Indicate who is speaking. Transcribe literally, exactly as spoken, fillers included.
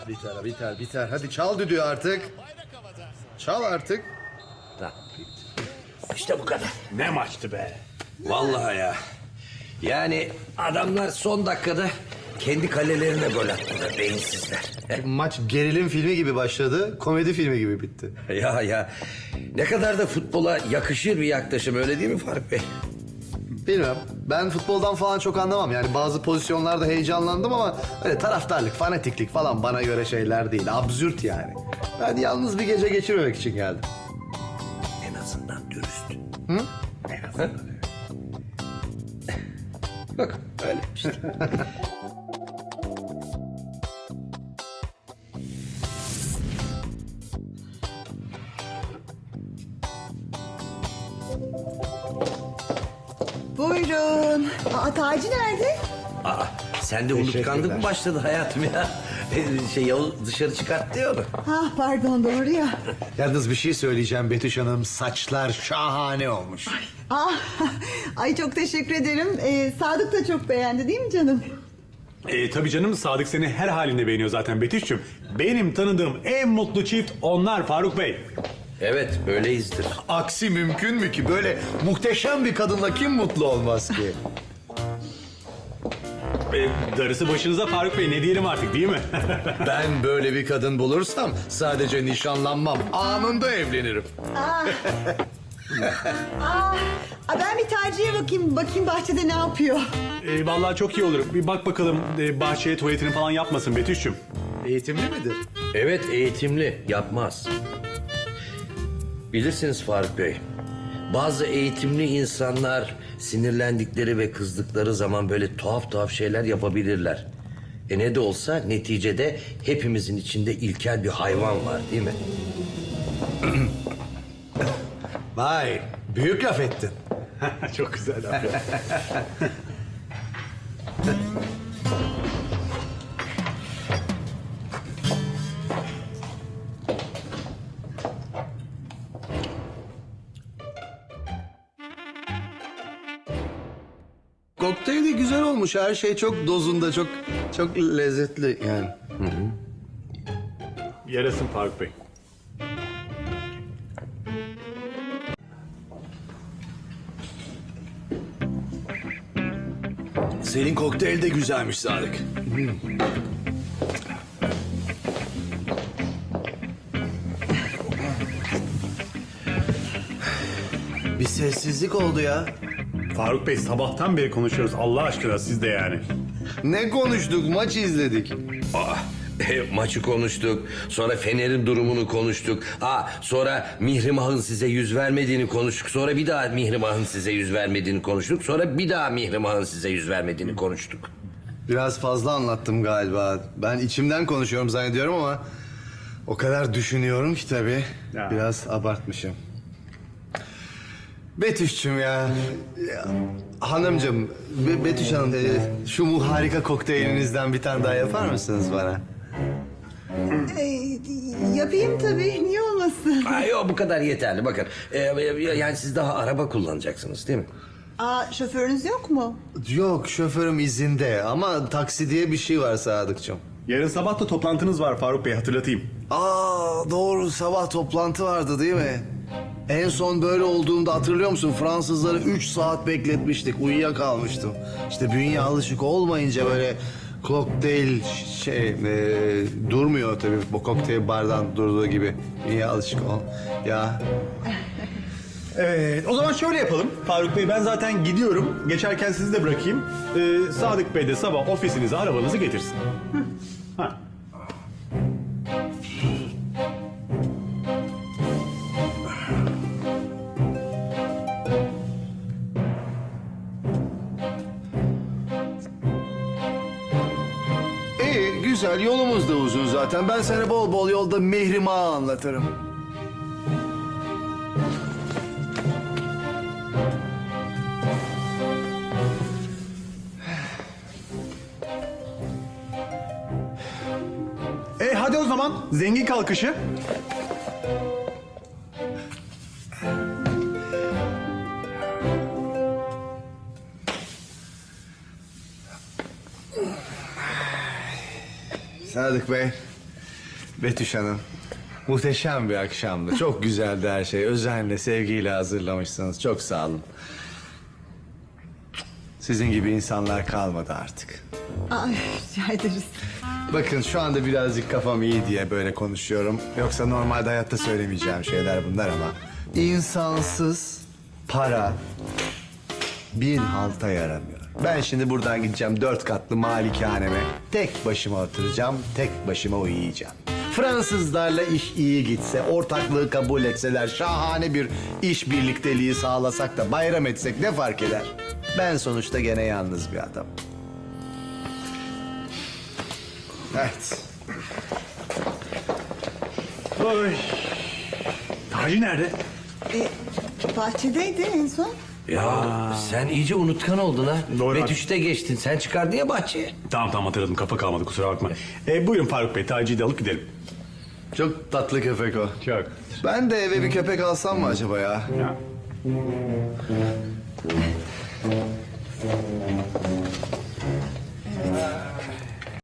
Speaker 1: Biter, biter, biter. Hadi çal düdüğü artık. Çal artık.
Speaker 2: Tamam. İşte bu kadar.
Speaker 3: Ne maçtı be.
Speaker 2: Vallahi ya. Yani adamlar son dakikada kendi kalelerine gol attılar, beyinsizler.
Speaker 1: Maç gerilim filmi gibi başladı, komedi filmi gibi bitti.
Speaker 2: Ya ya, ne kadar da futbola yakışır bir yaklaşım, öyle değil mi Faruk Bey?
Speaker 1: Bilmem. Ben futboldan falan çok anlamam. Yani bazı pozisyonlarda heyecanlandım ama öyle taraftarlık, fanatiklik falan bana göre şeyler değil. Absürt yani. Ben yalnız bir gece geçirmemek için geldim.
Speaker 2: En azından dürüst.
Speaker 1: Hı?
Speaker 2: En azından öyle. Bak öyle işte.
Speaker 4: Buyurun. Aa, Taci nerede?
Speaker 2: Aa, sen de unutkanlık mı başladı hayatım ya? Şey, Yavuz dışarı çıkarttı ya onu.
Speaker 4: Ha, pardon, doğru ya.
Speaker 1: Yalnız bir şey söyleyeceğim Betüş Hanım. Saçlar şahane olmuş.
Speaker 4: Aa, ay çok teşekkür ederim. Ee, Sadık da çok beğendi değil mi canım?
Speaker 3: E, tabii canım, Sadık seni her halinde beğeniyor zaten Betüş'cüğüm. Benim tanıdığım en mutlu çift onlar Faruk Bey.
Speaker 2: Evet, öyleyizdir.
Speaker 1: Aksi mümkün mü ki? Böyle muhteşem bir kadınla kim mutlu olmaz ki?
Speaker 3: E, darısı başınıza Faruk Bey, ne diyelim artık, değil mi?
Speaker 1: Ben böyle bir kadın bulursam sadece nişanlanmam. Anında evlenirim.
Speaker 4: Aa. Aa, aa, ben bir Taci'ye bakayım, bakayım bahçede ne yapıyor.
Speaker 3: E, vallahi çok iyi olur. Bir bak bakalım, e, bahçeye tuvaletini falan yapmasın Betüş'cüğüm.
Speaker 1: Eğitimli midir?
Speaker 2: Evet, eğitimli, yapmaz. Bilirsiniz Faruk Bey, bazı eğitimli insanlar sinirlendikleri ve kızdıkları zaman böyle tuhaf tuhaf şeyler yapabilirler. E ne de olsa neticede hepimizin içinde ilkel bir hayvan var, değil mi?
Speaker 1: Vay, büyük laf ettin.
Speaker 3: Çok güzel abi.
Speaker 1: Kokteyl de güzel olmuş. Her şey çok dozunda, çok çok lezzetli yani.
Speaker 3: Yarasın Faruk Bey.
Speaker 1: Senin kokteyl de güzelmiş Sadık. Bir sessizlik oldu ya.
Speaker 3: Faruk Bey, sabahtan beri konuşuyoruz Allah aşkına, siz de yani.
Speaker 1: Ne konuştuk? Maç izledik.
Speaker 2: Aa, e, maçı konuştuk, sonra Fener'in durumunu konuştuk. Aa, sonra Mihrimah'ın size yüz vermediğini konuştuk. Sonra bir daha Mihrimah'ın size yüz vermediğini konuştuk. Sonra bir daha Mihrimah'ın size yüz vermediğini konuştuk.
Speaker 1: Biraz fazla anlattım galiba. Ben içimden konuşuyorum zannediyorum ama o kadar düşünüyorum ki tabii.
Speaker 3: Ya.
Speaker 1: Biraz abartmışım. Betüş'cüm ya. ya hanımcığım, Be- Betüş Hanım, e, şu mu harika kokteylinizden bir tane daha yapar mısınız bana?
Speaker 4: Ee, yapayım tabii, niye olmasın?
Speaker 2: Ay, yok, bu kadar yeterli. Bakın, e, yani siz daha araba kullanacaksınız, değil mi?
Speaker 4: Aa, şoförünüz yok mu?
Speaker 1: Yok, şoförüm izinde ama taksi diye bir şey var Sadıkçım.
Speaker 3: Yarın sabah da toplantınız var Faruk Bey, hatırlatayım.
Speaker 1: Aa, doğru, sabah toplantı vardı değil mi? En son böyle olduğunda hatırlıyor musun? Fransızları üç saat bekletmiştik. Uyuyakalmıştım. İşte bünye alışık olmayınca böyle kokteyl şey e, durmuyor tabii. Bu kokteyl bardan durduğu gibi. Bünye alışık ol. Ya
Speaker 3: Evet, o zaman şöyle yapalım Faruk Bey, ben zaten gidiyorum. Geçerken sizi de bırakayım. Ee, Sadık Bey de sabah ofisinize arabanızı getirsin. Ha.
Speaker 1: iyi, güzel. Yolumuz da uzun zaten. Ben sana bol bol yolda Mihrimah'ı anlatırım.
Speaker 3: E hadi o zaman zengin kalkışı.
Speaker 1: Sadık Bey, Betüş Hanım, muhteşem bir akşamdı. Çok güzeldi her şey. Özenle, sevgiyle hazırlamışsınız. Çok sağ olun. Sizin gibi insanlar kalmadı artık.
Speaker 4: Ay, rica ederiz.
Speaker 1: Bakın şu anda birazcık kafam iyi diye böyle konuşuyorum. Yoksa normalde hayatta söylemeyeceğim şeyler bunlar ama... insansız para bir halta yaramıyor. Ben şimdi buradan gideceğim dört katlı malikaneme. Tek başıma oturacağım, tek başıma uyuyacağım. Fransızlarla iş iyi gitse, ortaklığı kabul etseler, şahane bir iş birlikteliği sağlasak da bayram etsek ne fark eder? Ben sonuçta gene yalnız bir adam. Evet.
Speaker 3: Oy. Taci nerede?
Speaker 4: E, bahçedeydi en son.
Speaker 2: Ya sen iyice unutkan oldun ha.
Speaker 3: Doğru.
Speaker 2: Betüş'te geçtin. Sen çıkardın ya bahçeye.
Speaker 3: Tamam tamam hatırladım, kafa kalmadı, kusura bakma. E, buyurun Faruk Bey, Taci'yi de alıp gidelim.
Speaker 1: Çok tatlı köpek o.
Speaker 3: Çok.
Speaker 1: Ben de eve bir köpek alsam mı acaba ya?
Speaker 3: Ya.